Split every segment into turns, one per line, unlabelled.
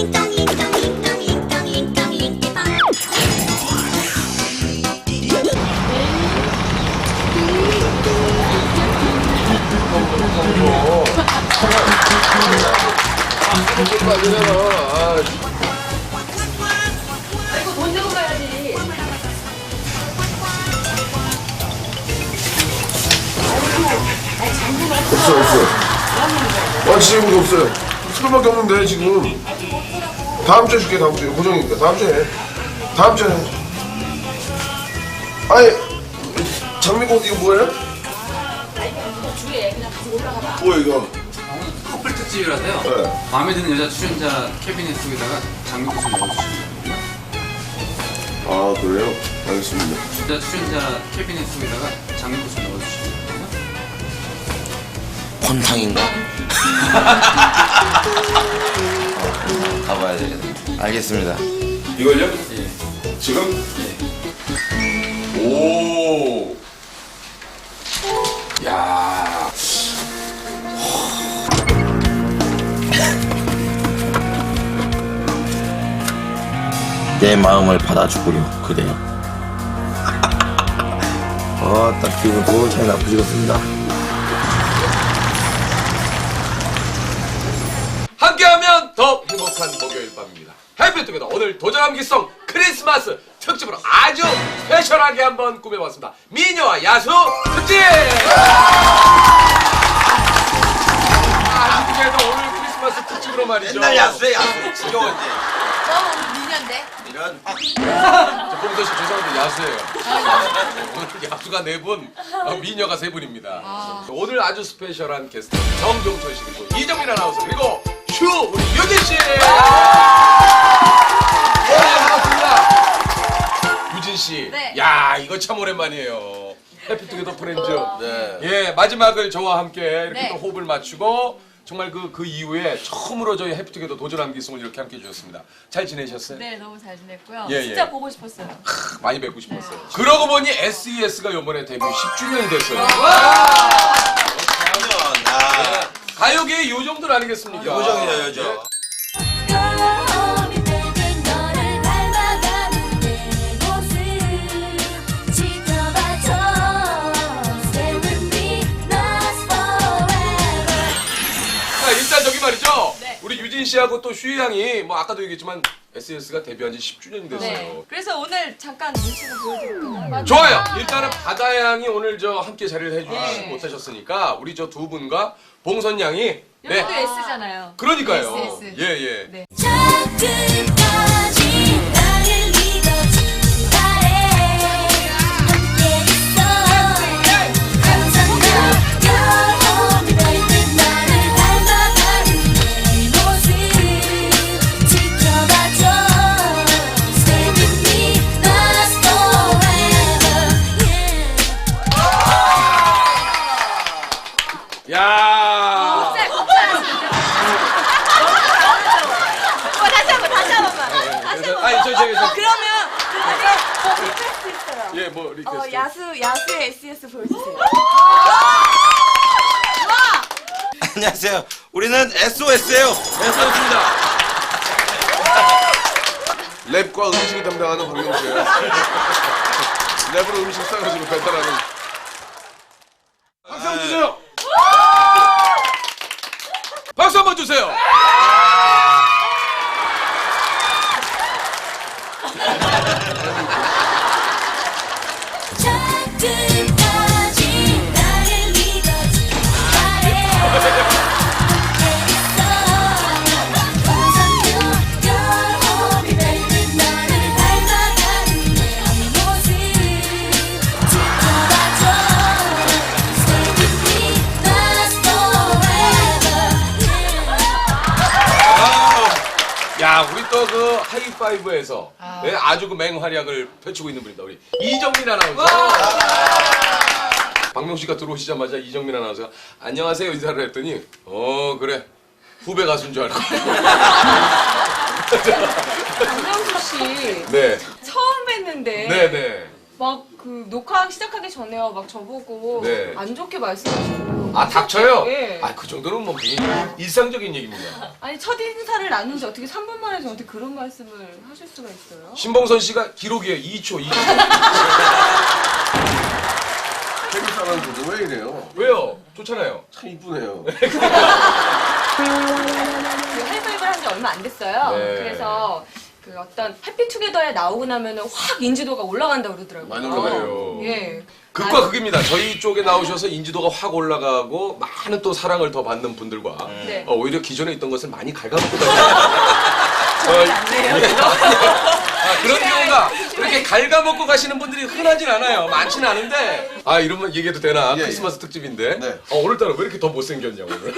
이거 돈 내고 가야지.
없어. 지금 없어요. 술밖에 없는데 지금. 다음 주에 줄게. 다음 주에 고정이니까 다음 주에 해. 다음 주에 해. 아니 장미꽃 이거 뭐예요?
주에 그냥 가서 올라가봐.
뭐야 이거?
커플 특집이라서요.
네.
마음에 드는 여자 출연자 캐비넷 속에다가 장미꽃을 넣어주시면 됩니다.
아 그래요? 알겠습니다.
여자 출연자 캐비넷 속에다가 장미꽃을 넣어주시면 됩니다.
폰탕인가? 가봐야 되겠네. 알겠습니다.
이걸요?
예.
지금?
예.
오. 야.
내 마음을 받아주구려 그대여. 딱 기분 좋은 나쁘시겠습니다.
함께하면 더 행복한 목요일 밤입니다. 해피투게더 오늘 도전함기송 크리스마스 특집으로 아주 스페셜하게 한번 꾸며봤습니다. 미녀와 야수 특집! 해피투게더 오늘 크리스마스 특집으로 말이죠.
맨날 야수해 야수. 지겨워 이제.
저 미녀인데?
이런
저 봉도 씨 죄송한데 야수예요. 오늘 야수가 4분, 미녀가 3분입니다. 오늘 아주 스페셜한 게스트 정종철 씨 그리고 이정민 아나운서 그리고 슈 우리 유진 씨. 반갑습니다. 유진 씨.
네.
야 이거 참 오랜만이에요. 해피투게더 프렌즈.
네.
예 마지막을 저와 함께 이렇게
네.
또 호흡을 맞추고. 정말 그 이후에 처음으로 저희 해피투게더 도전함 기송을 이렇게 함께 해주셨습니다. 잘 지내셨어요?
네, 너무 잘 지냈고요.
예,
진짜
예.
보고 싶었어요.
많이 뵙고 싶었어요. 그러고 보니 SES가 이번에 데뷔 10주년이 됐어요.
아,
가요계의 요정들 아니겠습니까?
요정이죠 요정.
거울이 늙은 너를 닮아가는 내 모습 지켜봐줘. Stay with me, last forever.
자, 일단 저기 말이죠.
네.
우리 유진 씨하고 또 슈이 양이 뭐 아까도 얘기했지만 SES가 데뷔한 지 10주년이 됐어요.
네. 그래서 오늘 잠깐 눈치를 보여드릴게요.
좋아요. 일단은 바다 양이 오늘 저 함께 자리를 해주지
네.
못하셨으니까 우리 저 두 분과 봉선 양이
여기도 S잖아요.
그러니까요.
SS.
예 예.
네.
저 끝까지 나를 믿어주길 바래. 함께 있어. 항상 널 닮은 나를 닮아가는 내 모습 지켜봐줘. Stay with me, last forever. Yeah.
야.
다시 한 번만.
아니 저
그러면 리퀘스트 있어요.
예 뭐 리퀘스트.
야수의 SES 보여주세요.
안녕하세요. 우리는 SOS예요.
SES입니다. 랩과 음식을 담당하는 박명수예요. 랩으로 음식 싸가지고 배달하는. 박수 한번 주세요. 박수 한번 주세요.
저 끝까지 나를 믿어주길 바래. 함께 있어. 항상 널 닮은 나를 닮아가는 내 모습 지켜봐줘. Stay with me, last forever.
야, 우리 또 그 하이파이브에서 네, 아주 그 맹활약을 펼치고 있는 분입니다. 우리 이정민 아나운서. 박명 씨가 들어오시자마자 이정민 아나운서가 안녕하세요 인사를 했더니 그래 후배 가수인 줄 알고.
박명수 씨
네,
처음 뵀는데
네, 네.
막 그 녹화 시작하기 전에요. 막 저보고
네.
안 좋게 말씀하시고.
아 닥쳐요?
네.
아 그 정도는 뭐 일상적인 얘기입니다.
아니 첫 인사를 나눈 지 어떻게 3분 만에 저한테 그런 말씀을 하실 수가 있어요?
신봉선 씨가 기록이에요. 2초.
태국 사람들은 왜 이래요?
왜요? 좋잖아요.
참 이쁘네요.
그 하이파이브를 한 지 얼마 안 됐어요.
네.
그래서 그 어떤 해피투게더에 나오고 나면은 확 인지도가 올라간다고 그러더라고요.
많이 올라가요.
예.
극과 극입니다. 저희 쪽에 나오셔서 인지도가 확 올라가고 많은 또 사랑을 더 받는 분들과
네.
오히려 기존에 있던 것을 많이 갉아먹고 다니는
안돼요.
그런 경우가 그렇게 갉아먹고 가시는 분들이 흔하진 않아요. 많지는 않은데 이러면 얘기해도 되나?
예,
크리스마스 특집인데
네.
오늘따라 왜 이렇게 더 못생겼냐 오늘?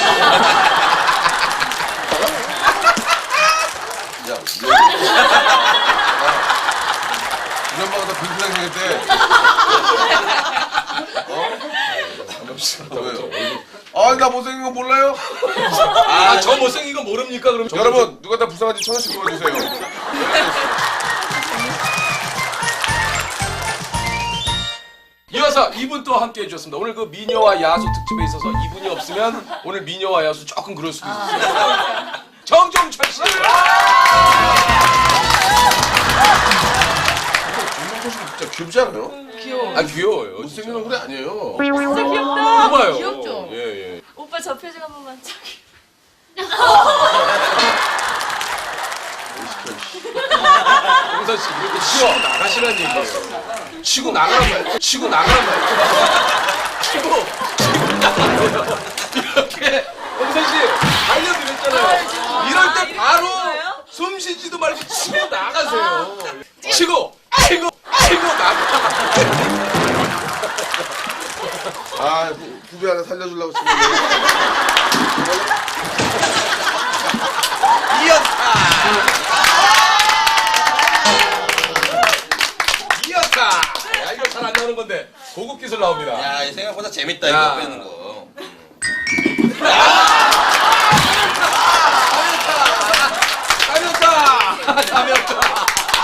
야, 우리 엄마가 다 불편하게 생겼대. 왜요? 나 못생긴 거 몰라요?
저 못생긴 거 모릅니까? 그럼
여러분, 누가 다 불쌍한지 1,000원씩 도와주세요.
이어서 이분 또 함께 해주셨습니다. 오늘 그 미녀와 야수 특집에 있어서 이분이 없으면 오늘 미녀와 야수 조금 그럴 수도 있어요. 정종철 씨!
김명철 씨 진짜 귀엽지 않아요?
귀여워.
귀여워요.
못생긴 얼굴이 아니에요.
진짜 귀엽다.
봐요.
귀엽죠?
예.
오빠 저 표정 한 번만 저기.
홍선 씨 이렇게 치고 나가시라는 얘기예요. 치고 나가란 말이에요. 치고 나가란 말이에요. 치고 나가세요. 이렇게 홍선 씨 알려드렸잖아요. 이럴 때 바로 숨 쉬지도 말고 치고 나가세요. 치고 나가.
후배 하나 살려주려고 지금.
이었다. 야 이거 잘 안 나오는 건데 고급 기술 나옵니다.
야, 이 생각보다 재밌다,
야.
이거 빼는 거.
가볍다.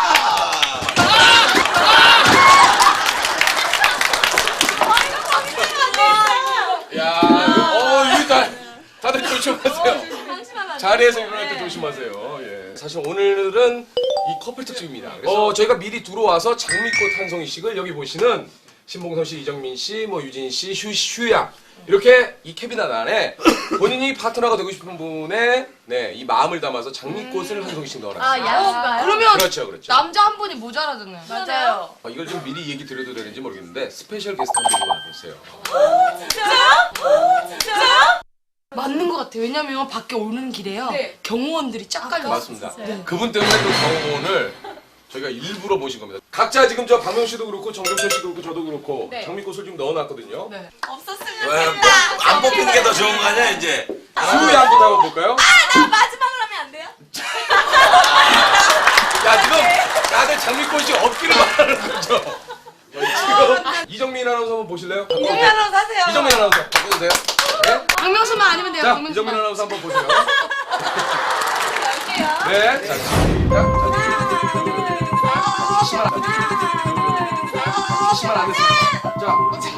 야, 이거 다들 조심하세요. 자리에서 일어날 때 조심하세요. 예. 사실 오늘은 이 커플 특집입니다. 그래서 저희가 미리 들어와서 장미꽃 한 송이씩을 여기 보시는 신봉선 씨, 이정민 씨, 뭐 유진 씨, 휴양 이렇게 이 캐비넷 안에 본인이 파트너가 되고 싶은 분의 이 마음을 담아서 장미꽃을 한 송이씩 넣어놨어요.
야수가요?
그러면
그렇죠.
남자 한 분이 모자라잖아요.
맞아요.
이걸 좀 미리 얘기 드려도 되는지 모르겠는데 스페셜 게스트 한 분이 와 계세요.
진짜요?
맞는 것 같아요. 왜냐면 밖에 오는 길에요.
네.
경호원들이 쫙 깔려 있어요.
맞습니다. 그분 때문에 그 경호원을 저희가 일부러 모신 겁니다. 각자 지금 저 박명 씨도 그렇고 정경철 씨도 그렇고 저도 그렇고
네.
장미꽃을 좀 넣어놨거든요.
네.
없었으면
왜, 안 뽑히는 게 더 좋은 거 아니야, 이제?
수위 한번 한번 볼까요?
나 마지막으로 하면 안 돼요?
야 지금 다들 장미꽃이 없기를 바라는 거죠. 지금 이정민 아나운서 한번 보실래요?
유명하러 사세요.
이정민 아나운서 보세요. 네?
박명수만 아니면 돼요.
자
박명수만.
이정민 아나운서 한번 보세요.
갈게요.
네. 자 시간 안 됐습니다. 자.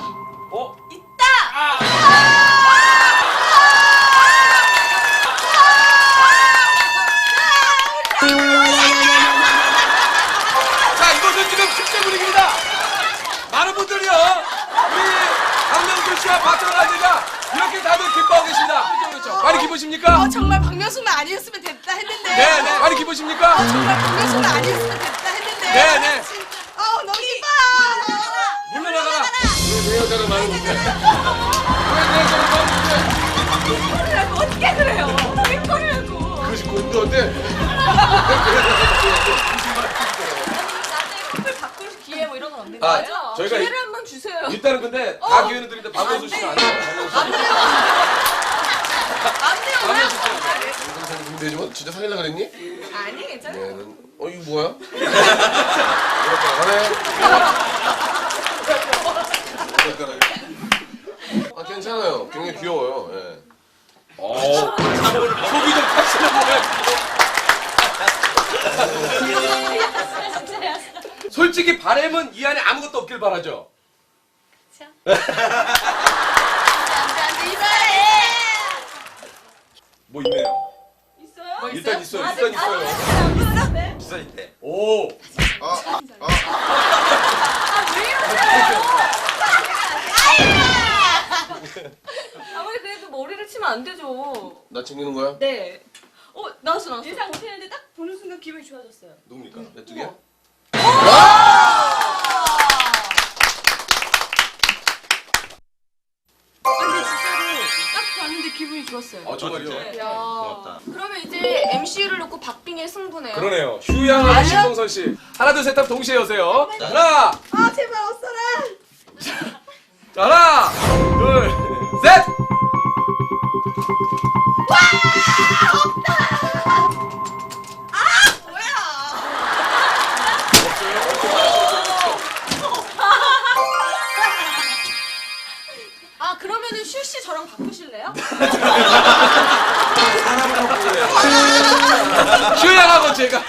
자, 이것은 지금 축제 분위기입니다. 많은 분들이요. 우리 박명수 씨와 박정환 아재가 이렇게 다들 기뻐하고 계십니다. 그렇죠. 많이 기쁘십니까?
정말 박명수만 아니었으면 됐다 했는데.
네. 많이 기쁘십니까?
정말 박명수만 아니었으면 됐다 했는데.
네.
너무 기뻐.
물러나가라. 왜 여자를 많은 건데? 왜 여자를 많은 건데?
어떻게 그래요? 어떻게 그러냐고.
그것이 꼰대인데.
나중에 커플 바꿀 기회 뭐 이런 건 없는 거예요?
저희가
기회를 한번 주세요.
일단은 근데 다 기회는 드리는데 박명수 씨는 안 돼요.
안 돼요.
근데 지금 진짜 사귀려고 그랬니?
아니 괜찮아요.
이거 뭐야? 가네. 괜찮아요. 굉장히 귀여워요. 예.
속이 좀 타시는 거예요. 솔직히 바람은 이 안에 아무것도 없길 바라죠. 뭐 있네요.
있어요?
일단 있어요. 일단 있어요.
비싸 있대.
오.
아무리 그래도 머리를 치면 안 되죠.
나 챙기는 거야?
네. 나왔어. 예상 못했는데 딱 보는 순간 기분이 좋아졌어요.
누굽니까? 몇 개?
근데 진짜로 딱 봤는데 기분이 좋았어요.
정말요?
진짜?
야.
고맙다.
그러면 이제 MC를 놓고 박빙의 승부네요.
그러네요. 휴양하는 신봉선 씨. 하나 둘 셋 하면 동시에 여세요. 하나.
아 제발 없어라.
자, 하나. 둘. 셋.
그러면은 슈 씨 저랑 바꾸실래요?
휴양하고 제가.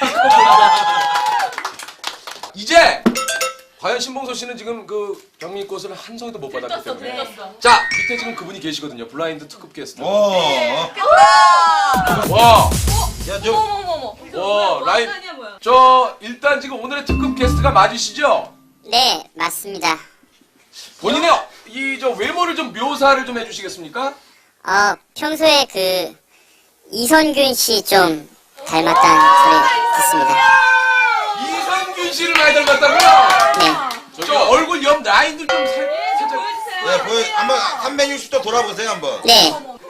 이제 과연 신봉선 씨는 지금 그 경리꽃을 한 송이도 못 받았기 때문에.
들었어.
자, 밑에 지금 그분이 계시거든요. 블라인드 특급 게스트.
어.
와.
야, 저
어머머머.
와, 라인.
아니야 뭐야?
저 일단 지금 오늘의 특급 게스트가 맞으시죠?
네, 맞습니다.
본인의 이 저 외모를 좀 묘사를 좀 해주시겠습니까?
평소에 그 이선균 씨 좀 닮았다는 소리 듣습니다.
이선균 씨를 많이 닮았다고요?
네,
저 얼굴 옆 라인들 좀 살짝.
네, 보여. 한번 360도 돌아보세요, 한번.
네,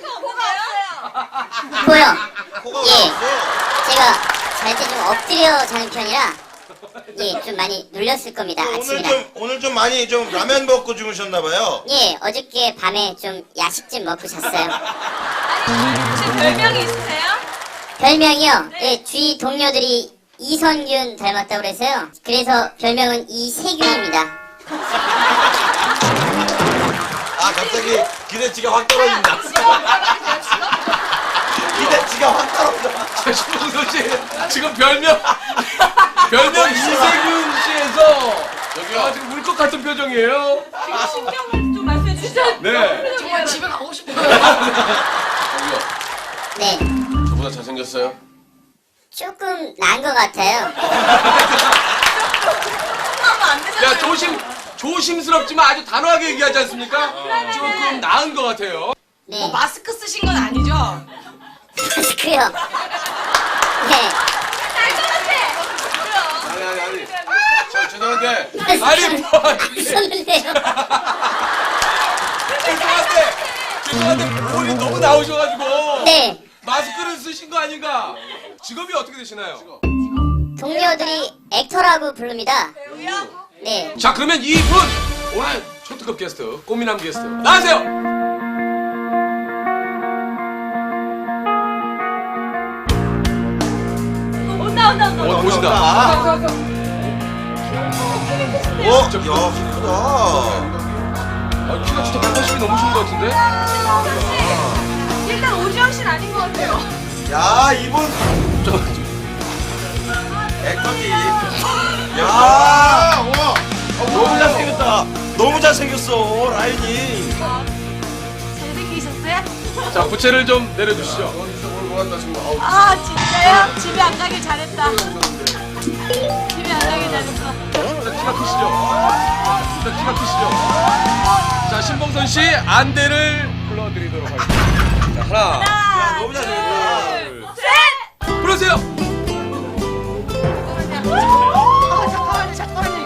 뭐가요?
보여.
코가
예.
올라왔어.
제가 잘 때 좀 엎드려 자는 편이라 예, 좀 많이 눌렸을 겁니다. 아침이라.
오늘 좀 많이 좀 라면 먹고 주무셨나봐요.
예, 어저께 밤에 좀 야식집 먹고 잤어요.
혹시 별명이 있으세요?
별명이요? 예, 주위 동료들이 이선균 닮았다고 그래서요. 그래서 별명은 이세균입니다.
아, 갑자기 기대치가 확 떨어진다. 기대치가 확 떨어져.
신봉선 씨 지금 별명 이세균 씨에서 지금 울것 같은 표정이에요.
신경 좀 말씀해 주시죠.
네.
정말 집에 가고 싶어요.
저기요.
네,
저보다 잘생겼어요?
조금 나은 것 같아요.
야, 조심스럽지만 아주 단호하게 얘기하지 않습니까? 조금 나은 것 같아요.
네,
마스크 쓰신 건 아니죠?
마스크요. 네.
아니. 저 죄송한데.
아니, 뭐.
썼는데요.
죄송한데 볼이 너무 나오셔가지고
네,
마스크를 쓰신 거 아닌가? 직업이 어떻게 되시나요?
동료들이 액터라고 부릅니다. 네,
자, 그러면 이분 오늘 초특급 게스트 꽃미남 게스트 나와세요.
온다.
보신다.
야, 크다.
키가 진짜 180이 넘으신 것 같은데?
일단 오지영 씨는 아닌 것 같아요.
야, 이분. 액터기. 야, 우와. 너무 잘생겼다. 너무 잘생겼어, 라인이.
잘생기셨어요?
자, 부채를 좀 내려주시죠.
오늘 뭐 한다 지금. 아우.
아 진짜요? 집에 안 가길 잘했다. 집에 안 가길 잘했어.
일단 키가 크시죠? 자, 신봉선 씨 안대를 불러드리도록 하겠습니다. 자, 하나,
야, 너무 잘생겼다.
불러주세요.
잠깐만요.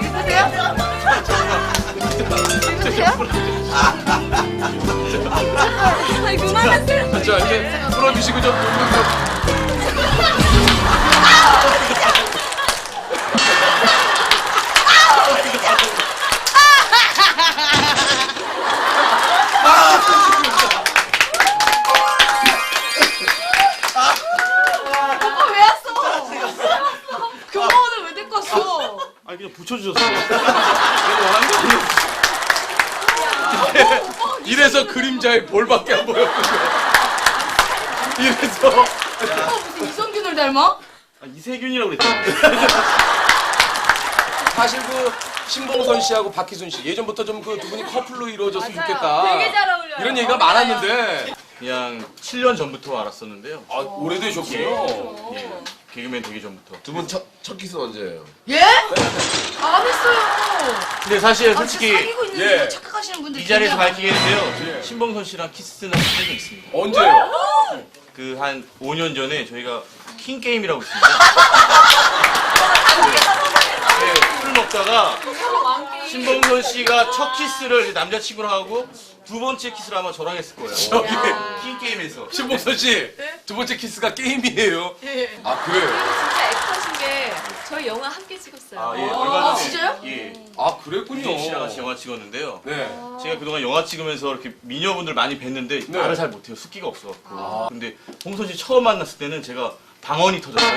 이거 보세요?
아니 그만하세요.
자, 이제 풀어주시고 좀
오빠 왜 왔어? 교무원을 왜 데리고 왔어?
아니, 그냥 붙여주셨어.
이래서 그림자의 볼밖에 안 보였군요. 이래서
오빠 무슨 이성균을 닮아?
이세균이라고 그랬지.
사실 그 신봉선 씨하고 박희순 씨 예전부터 좀 그 두 분이 커플로 이루어졌으면
맞아요.
좋겠다.
되게 잘 어울려요.
이런 얘기가
어울려요.
많았는데
그냥 7년 전부터 알았었는데요.
아, 오래되셨군요.
예. 개그맨 되기 전부터.
두 분 첫 키스 언제예요?
예? 안 했어요.
근데 사실
아, 진짜
솔직히
사귀고 있는
예.
거 착각하시는 분들
이 자리에서
되게
밝히겠는데요. 신봉선 씨랑 키스는 한 적이 있습니다.
언제요?
그 한 5년 전에 저희가 킹 게임이라고 있습니다. 네, 술 먹다가 신봉선 씨가 첫 키스를 남자친구랑 하고 두 번째 키스를 아마 저랑 했을 거예요.
저기
킹 게임에서.
신봉선 씨 두 번째 키스가 게임이에요.
예.
아 그래요?
진짜 액터신 게 저희 영화 함께 찍었어요.
아, 예. 얼마 전에.
진짜요?
예.
아 그랬군요.
유진 씨랑 같이 영화 찍었는데요.
네.
제가 그동안 영화 찍으면서 이렇게 미녀분들 많이 뵀는데
네.
말을 잘 못해요. 숫기가 없어갖고. 근데 홍선 씨 처음 만났을 때는 제가 방언이 터졌어요.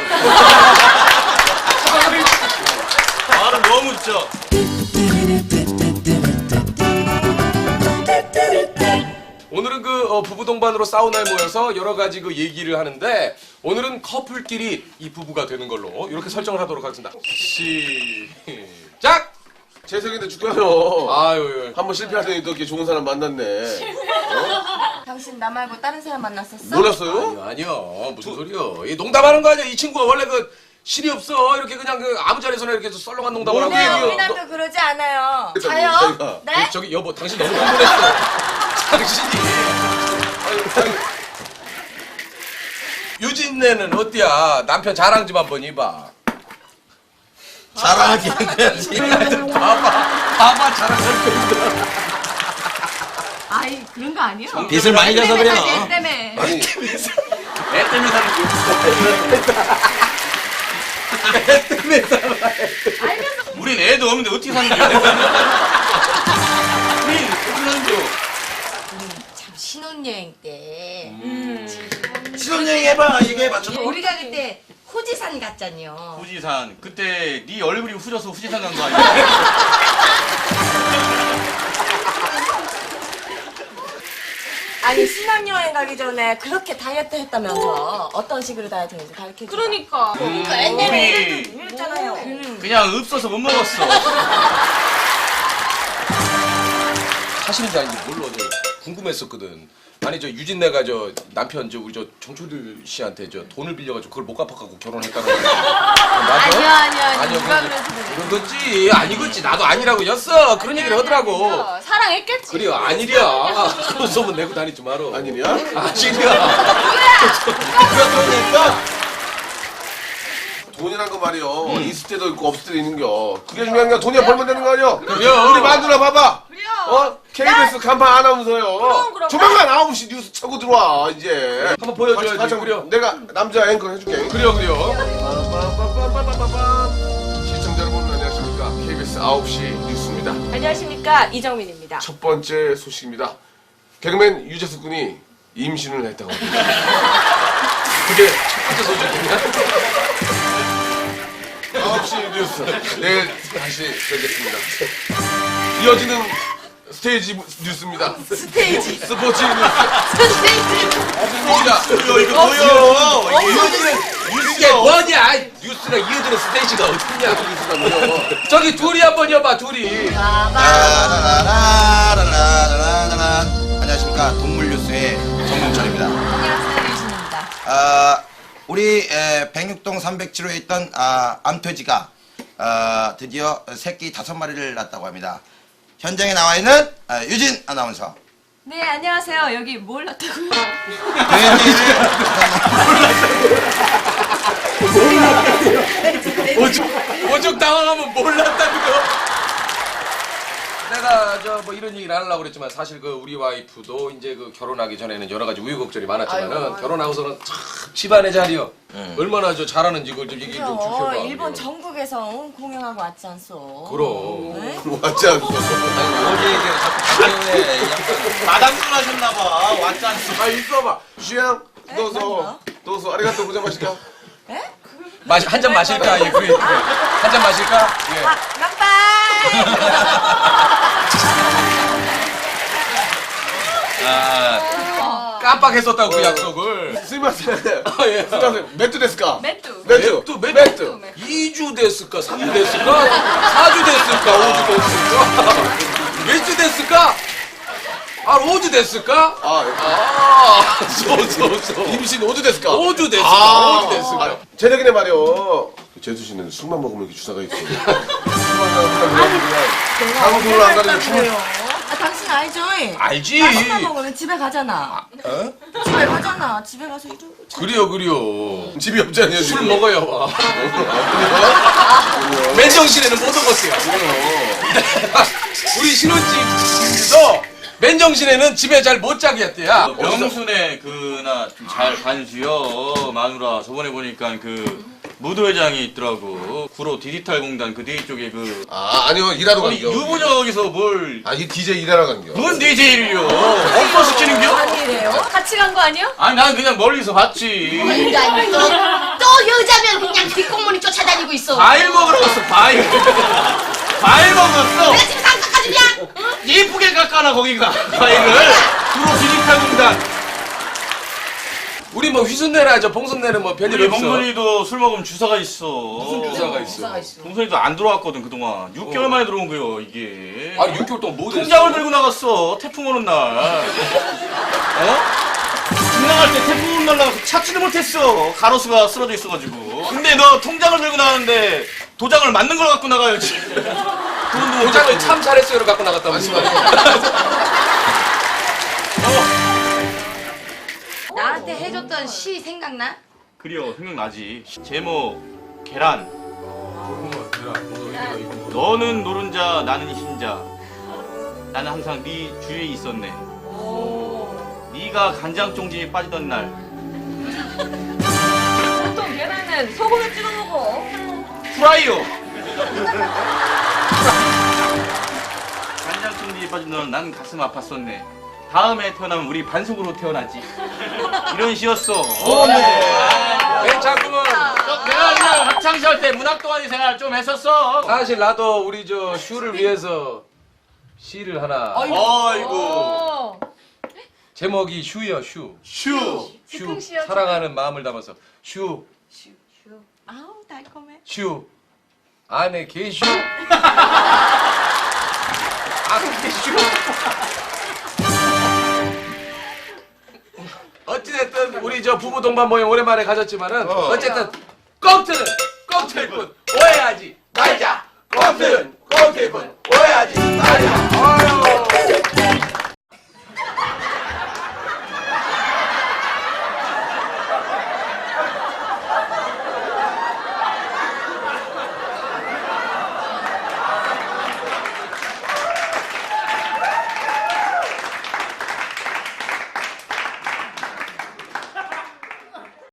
말은 너무 진짜.
오늘은 그 부부 동반으로 사우나에 모여서 여러 가지 그 얘기를 하는데 오늘은 커플끼리 이 부부가 되는 걸로 이렇게 설정을 하도록 하겠습니다. 시작.
재석인데 죽어요.
아유.
한 번 실패하더니 또 이렇게 좋은 사람 만났네.
당신 나 말고 다른 사람 만났었어?
몰랐어요?
아니요 무슨 소리요? 이 농담하는 거 아니야? 이 친구가 원래 그 실이 없어. 이렇게 그냥 그 아무 자리에서나 이렇게 썰렁한 농담을 하고.
네,
얘기해요?
우리 남도 그러지 않아요.
그랬더니
자요?
자기가
네?
저기 여보 당신 너무 흥분했어. 당신이. 아유. 유진네는 어때야? 남편 자랑 좀 한번 해봐.
자랑하기는 해야지.
봐봐 자랑할 거니까.
아이 그런 거 아니야.
빚을 많이 져서 그래요.
애 때문에.
아니
애 때문에 사는 게 우린 애도 없는데 어떻게 사는 거야? 우린 어떻게 사는 거야?
참 신혼여행 때
신혼여행 해봐. 얘기해봐.
우리가 그때 후지산 갔잖요.
후지산. 그때 네 얼굴이 후져서 후지산 간 거 아니야?
아니 신혼여행 가기 전에 그렇게 다이어트 했다면서 어떤 식으로 다이어트 했는지 가르쳐줘.
그러니까.
우리
그랬잖아요.
그냥 없어서 못 먹었어.
사실인지 아닌지 몰라. 저 궁금했었거든. 아니 저 유진네가 저 남편 저 우리 저 정초들 씨한테 저 돈을 빌려가지고 그걸 못 갚아갖고 결혼했다는 거. 맞아?
아니요 누가 그래서
그런거지 아니겠지. 나도 아니라고 였어. 그런 얘기를 하더라고.
사랑했겠지.
그래요 아니랴. 그런 소문 내고 다니지 마라.
아니냐?
아니랴.
그러니까 돈이란 거 말이요. 있을 때도 있고 없을 때도 있는겨. 그게 중요한 게 돈이야 벌면 되는 거 아니야?
그래요.
우리 만두나 봐봐.
그래요.
KBS 간판 아나운서요.
그럼.
조만간 9시 뉴스 차고 들어와 이제.
한번 보여줘야지.
같이
그래요.
내가 남자 앵커 해줄게.
그래요.
시청자 여러분 안녕하십니까? KBS 9시 뉴스입니다.
안녕하십니까 이정민입니다.
첫 번째 소식입니다. 개그맨 유재석 군이 임신을 했다고 합니다.
그게 첫 번째 소식이냐?
9시 뉴스. 내일 다시 뵙겠습니다. 이어지는 스테이지 뉴스입니다.
스테이지.
스포츠 뉴스.
이거 뭐야?
이게 뭐냐? 뉴스가 이어지는 스테이지가 어딨냐?
뉴스라고요.
저기 둘이 한번 여봐 둘이.
안녕하십니까 동물뉴스의 정문철입니다.
안녕하세요 유신입니다.
우리 106동 307호에 있던 암돼지가 드디어 새끼 5마리를 낳았다고 합니다. 현장에 나와 있는 유진 아나운서.
네 안녕하세요. 여기 뭘 났다고요?
오죽 당황하면 몰랐다는 거. 내가 저 뭐 이런 얘기를 안 하려고 그랬지만 사실 그 우리 와이프도 이제 그 결혼하기 전에는 여러 가지 우여곡절이 많았지만은 결혼하고서는 참 집안의 자리요. 얼마나 저 잘하는지 그걸 좀 얘기 좀 주셔봐.
일본 전국에서 공연하고 왔지 않소?
그럼.
왔지 않소.
마담술 하셨나봐. 왔지 않소.
있어봐. 슈양, 도서, 아리가또 고자마시까?
한 잔 마실까? 예, 그래. 한 잔 마실까? 예. 깜빡했었다고 그 약속을.
스미마세.
예.
스미마세. 매트 데스까?
매뚜.
매트. 매트.
2주 됐을까? 3주 됐을까? 4주 됐을까? 5주 됐을까? 몇 주 됐을까? 5주 됐을까?
임신 5주 됐을까?
5주 됐을까? 5주 됐을까?
제덕이네 말이요. 제수 씨는 술만 먹으면 이렇게 주사가 있어. 사무소를 안 가는 게 춤을.
당신 알죠?
알지?
술만 먹으면 집에 가잖아. 집에 가잖아. 집에 가서 이러고.
그래요.
집이 없잖아요.
술
지금.
먹어야 와. 맨정신에는 못 먹었어요. 우리 신혼집도 맨정신에는 집에 잘 못 자게 했대야.
명순의 그나 좀 잘 반수여 마누라. 저번에 보니까 그 무도회장이 있더라고. 구로 디지털 공단 그 뒤 쪽에 그
아니요. 일하러
아니
간겨.
유부녀 거기서 뭘
이 DJ 일하러 간겨.
뭔 DJ를요? 엉터 시키는겨?
아니래요?
같이 간 거 아니야?
아니 난 그냥 멀리서 봤지.
또 여자면 그냥 뒷공문이 쫓아다니고 있어.
과일 먹으러 갔어 과일. 과일 먹었어.
지금 상 깎아주냐?
예쁘게 깎아놔 거기가 과일을. 구로 디지털 공단.
우리 뭐 휘순내나 봉순내는 뭐 별일
우리
없어.
봉선이도 술 먹으면 주사가 있어.
무슨 주사가 있어?
봉선이도 안 들어왔거든 그동안. 6개월 만에 들어온 거요 이게.
6개월 동안 뭐 됐어?
통장을 들고 나갔어. 태풍 오는 날. 집 나갈 때 태풍 오는 날 나가서 찾지도 못했어. 가로수가 쓰러져 있어가지고. 근데 너 통장을 들고 나가는데 도장을 맞는 걸 갖고 나가야지. 돈도
도장을 참 잘했어요를 갖고 나갔다면서.
나한테 해줬던 시 생각나?
그려 생각나지. 제목 계란. 너는 노른자 나는 흰자. 나는 항상 네 주위에 있었네. 네가 간장 종지에 빠지던 날.
보통 계란은 소금을 찍어 먹어.
프라이어. 간장 종지에 빠진 넌 난 가슴 아팠었네. 다음에 태어나면 우리 반숙으로 태어나지. 이런 시였어.
괜찮구먼.
내가 그냥 학창시절 때 문학 동아리 생활 좀 했었어.
사실 나도 우리 저 슈를 위해서 시를 하나.
아이고.
제목이 슈요 슈.
슈.
슈. 사랑하는 마음을 담아서 슈.
아우 달콤해.
슈. 안에 개슈. 안에 슈. 어찌됐든 우리 저 부부 동반 모임 오랜만에 가졌지만은 어쨌든 꽁트는 꽁트일뿐 오해하지 말자. 꽁트는 꽁트일뿐 오해하지 말자. 아유.